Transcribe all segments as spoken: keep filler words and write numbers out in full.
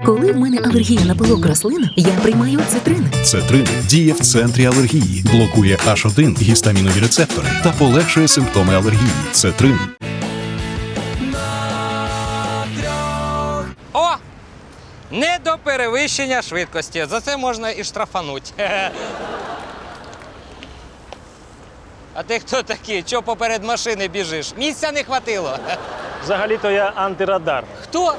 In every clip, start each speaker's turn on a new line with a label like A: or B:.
A: Коли в мене алергія на пилок рослин, я приймаю цитрин.
B: Цетрин діє в центрі алергії, блокує аш один гістамінові рецептори та полегшує симптоми алергії. Цетрин.
C: О! Не до перевищення швидкості. За це можна і штрафануть. А ти хто такий? Чого поперед машини біжиш? Місця не хватило.
D: Взагалі-то я антирадар.
C: Хто?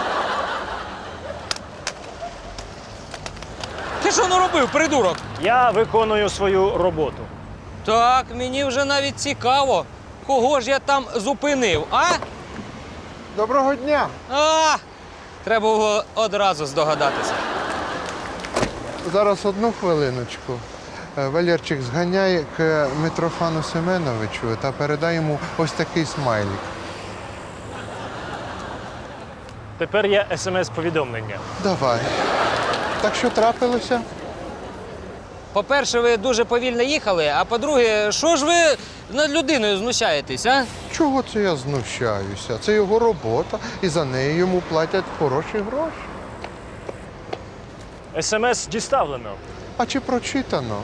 C: Ти що наробив, придурок?
D: Я виконую свою роботу.
C: Так, мені вже навіть цікаво, кого ж я там зупинив, а?
E: Доброго дня!
C: А! Треба було одразу здогадатися.
E: Зараз одну хвилиночку. Е, Валерчик, зганяй к Митрофану Семеновичу та передай йому ось такий смайлик.
D: Тепер є смс-повідомлення.
E: Давай. Так що трапилося?
C: По-перше, ви дуже повільно їхали, а по-друге, що ж ви над людиною знущаєтесь, а?
E: Чого це я знущаюся? Це його робота, і за неї йому платять хороші гроші.
D: Смс діставлено.
E: А чи прочитано?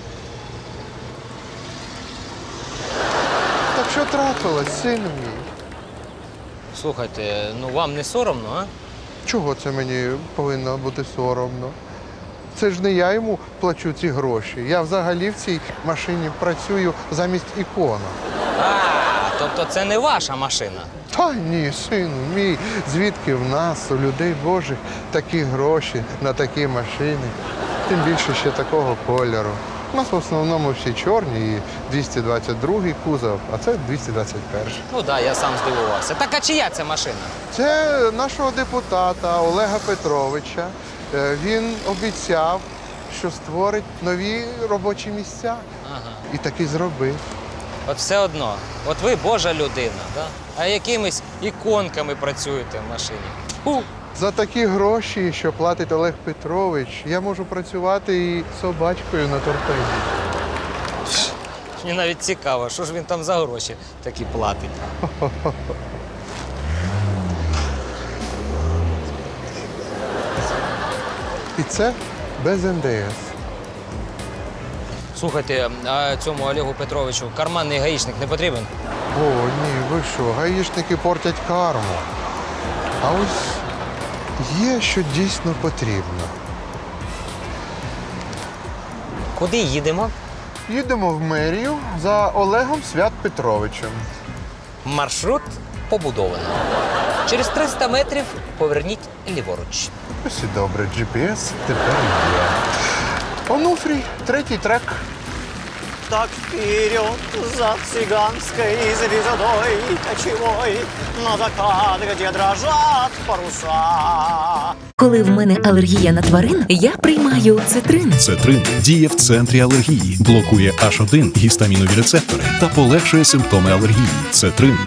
E: Так що трапилось, син мій?
C: Слухайте, ну вам не соромно, а?
E: Чого це мені повинно бути соромно? Це ж не я йому плачу ці гроші. Я взагалі в цій машині працюю замість ікона.
C: А, тобто це не ваша машина.
E: Та ні, сину мій, звідки в нас, у людей Божих, такі гроші на такі машини, тим більше ще такого кольору. У нас в основному всі чорні і двісті двадцять другий кузов, а це двісті двадцять перший.
C: Ну так, да, я сам здивувався. Так а чия це машина?
E: Це нашого депутата Олега Петровича. Е, Він обіцяв, що створить нові робочі місця.
C: Ага.
E: І таки зробив.
C: От все одно, от ви Божа людина, да? А якимись іконками працюєте в машині. Фу.
E: За такі гроші, що платить Олег Петрович, я можу працювати і собачкою на торпеді.
C: Мені навіть цікаво, що ж він там за гроші такі платить.
E: І це без ен де ес.
C: Слухайте, а цьому Олегу Петровичу карманний гаїчник не потрібен?
E: О, ні, ви що, гаїшники портять карму. А ось є, що дійсно потрібно.
C: Куди їдемо?
E: Їдемо в мерію за Олегом Свят Петровичем.
C: Маршрут побудовано. Через триста метрів поверніть ліворуч.
E: Ось і добре, джі пі ес тепер є. Онуфрій, третій трек.
F: Так вперед за цыганской звездой кочевой на закат, где дрожат паруса.
A: Коли в мене алергія на тварин, я приймаю цитрин.
B: Цетрин діє в центрі алергії, блокує аш один гістамінові рецептори та полегшує симптоми алергії. Цетрин.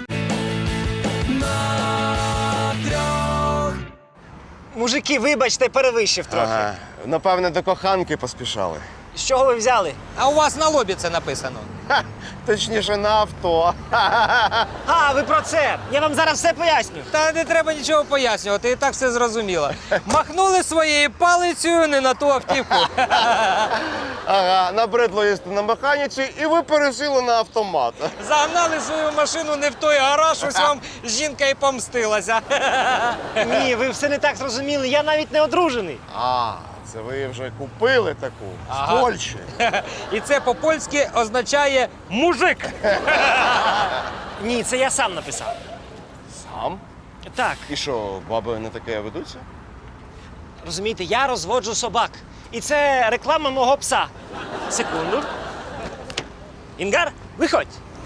F: Мужики, вибачте, перевищив трохи.
G: Ага. Напевне, до коханки поспішали.
F: З чого ви взяли?
C: А у вас на лобі це написано.
G: Ха, точніше, на авто.
F: А, ви про це. Я вам зараз все поясню.
C: Та не треба нічого пояснювати, і так все зрозуміло. Махнули своєю палицею не на ту автівку.
G: Ага, набридло їсти на механіці, і ви пересіли на автомат.
C: Загнали свою машину не в той гараж, ось вам жінка і помстилася.
F: Ні, ви все не так зрозуміли. Я навіть не одружений.
G: А, це ви вже купили таку
C: Ага.
G: з Польщі.
C: І це по-польськи означає мужик.
F: Ні, це я сам написав.
G: Сам?
F: Так,
G: І що, баби не таке ведуться?
F: розумієте, я розводжу собак. І це реклама мого пса. Секунду. Інгар, виходь.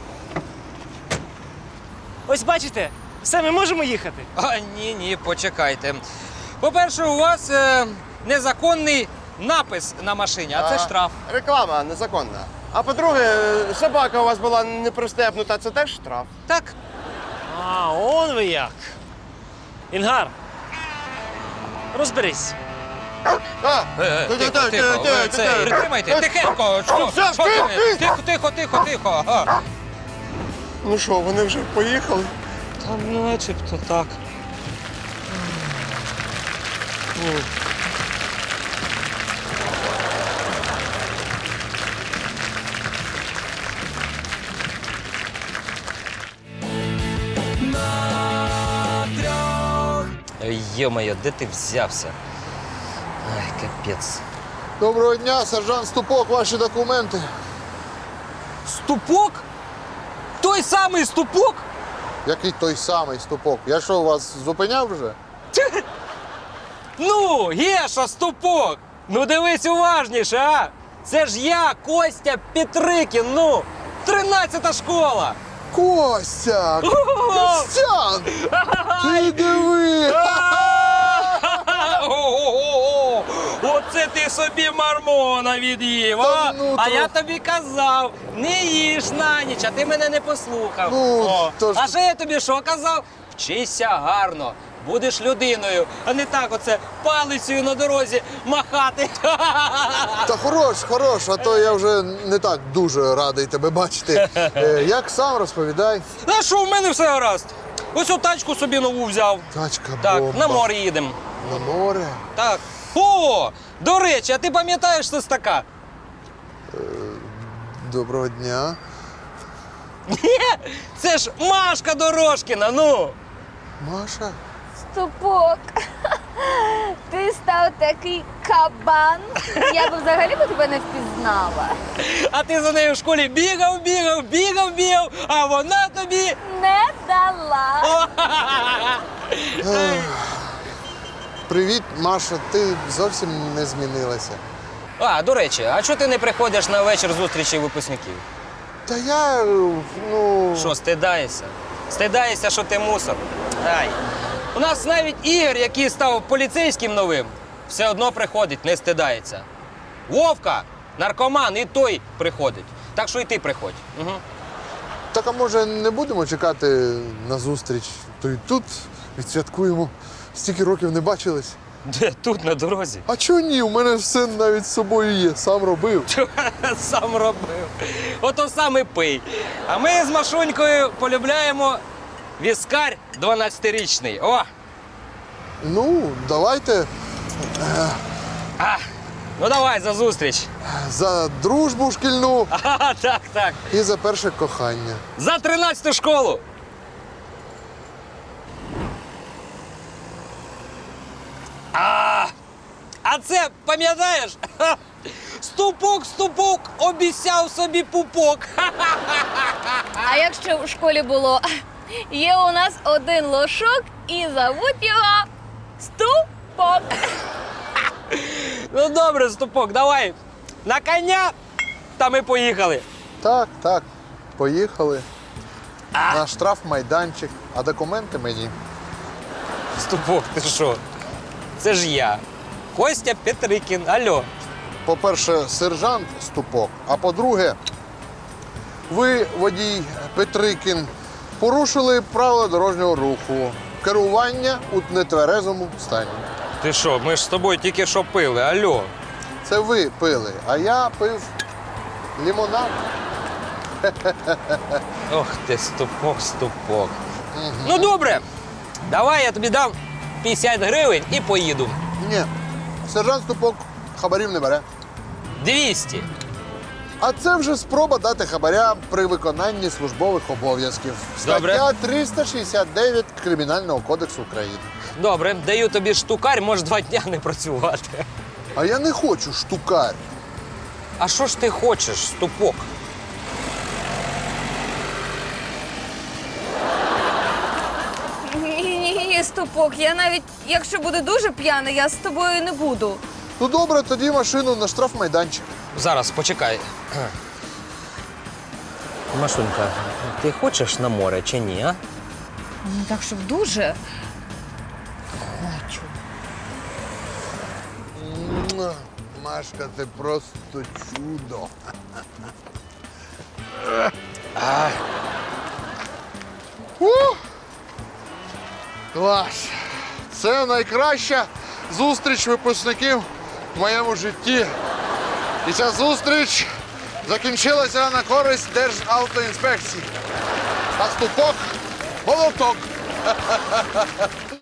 F: Ось бачите, все, ми можемо їхати.
C: А, ні, ні, почекайте. По-перше, у вас е, незаконний напис на машині, а це
G: Ага.
C: штраф.
G: Реклама незаконна. А по-друге, собака у вас була не пристебнута, це теж штраф.
C: Так.
F: А, он ви як. Інгар, розберись.
G: А,
C: Е, Тихо, тихо, ви це, притримайте, тихенько, що,
G: все,
C: що ти?
G: ти-
C: Тихо, тихо, тихо, тихо. Ага.
G: Ну що, вони вже поїхали?
C: Та начебто так. Йо-моє, де ти взявся? Ай, капець.
E: Доброго дня, сержант Ступок, ваші документи.
C: Ступок? Той самий ступок?
E: Який той самий Ступок? Я що, вас зупиняв вже?
C: Ну, Геша, ступок! Ну дивись уважніше, а! Це ж я, Костя Петрикін, ну! тринадцята школа!
E: Костя! Костян! Ти диви!
C: Ого-го-го! Оце ти собі мармона від'їв,
E: Та
C: а?
E: ну,
C: А
E: то-
C: я тобі казав, не їж на ніч, а ти мене не послухав.
E: Ну,
C: О.
E: то ж-
C: А ще я тобі що казав? Вчися гарно, будеш людиною, а не так оце палицею на дорозі махати.
E: Та хорош, хорош, а то я вже не так дуже радий тебе бачити. Е, Як сам розповідай?
C: А що, в мене все гаразд. Ось о тачку собі нову взяв.
E: Тачка
C: Так,
E: бомба.
C: на море їдемо.
E: На море?
C: Так. О, до речі, а ти пам'ятаєш Свистака?
E: Доброго дня.
C: Ні, це ж Машка Дорошкіна, ну.
E: Маша?
H: Ступок, ти став такий кабан. Я б взагалі би тебе не впізнала.
C: А ти за нею в школі бігав, бігав, бігав, бігав, а вона тобі.
H: Не дала.
C: О,
E: Привіт, Маша, ти зовсім не змінилася.
C: А, до речі, а чого ти не приходиш на вечір зустрічі випускників?
E: Та я, ну...
C: Що, стидаєшся? Стидаєшся, що ти мусор? Ай. У нас навіть Ігор, який став поліцейським новим, все одно приходить, не стидається. Вовка, наркоман, і той приходить. Так що і ти приходь. Угу.
E: Так, а може не будемо чекати на зустріч? То й тут відсвяткуємо. Стільки років не бачились.
C: Де тут, на дорозі?
E: А чого ні? У мене все навіть з собою є, сам робив.
C: Сам робив. Ото сам і пий. А ми з Машунькою полюбляємо віскар дванадцятирічний. О!
E: Ну, давайте
C: А, ну давай за зустріч.
E: за дружбу шкільну
C: Ага, так, так.
E: і за перше кохання.
C: За тринадцяту школу. А, а це, пам'ятаєш? Ха, Ступок, ступок, обіцяв собі пупок.
H: А якщо в школі було, є у нас один лошок і зовуть його Ступок.
C: Ну добре, ступок, давай. На коня, та ми поїхали.
E: Так, так, поїхали. На штрафмайданчик, а документи мені.
C: Ступок, ти що? Це ж я. Костя Петрикін. Алло.
E: По-перше, сержант Ступок, а по-друге, ви, водій Петрикін, порушили правила дорожнього руху. Керування у нетверезому стані.
C: Ти що, ми ж з тобою тільки що пили, алло.
E: Це ви пили, а я пив лимонад.
C: Ох ти, ступок, ступок. Ну добре, давай я тобі дам п'ятдесят гривень і поїду.
E: Ні, сержант Ступок хабарів не бере.
C: двісті.
E: А це вже спроба дати хабаря при виконанні службових обов'язків.
C: Добре.
E: Стаття триста шістдесят дев'ять Кримінального кодексу України.
C: Добре, даю тобі штукарь, можеш два дня не працювати.
E: А я не хочу штукарь.
C: А що ж ти хочеш, ступок?
H: Ні-ні-ні, Ступок, я навіть, якщо буде дуже п'яний, я з тобою не буду.
E: Ну добре, тоді машину на штрафмайданчик.
C: Зараз, почекай. Машунька, ти хочеш на море чи ні, а?
H: Ну так, щоб дуже. Хочу.
E: Муа, Машка, ти просто чудо. Ух! Клас! Це найкраща зустріч випускників в моєму житті. І ця зустріч закінчилася на користь Державтоінспекції. А Ступок – молоток.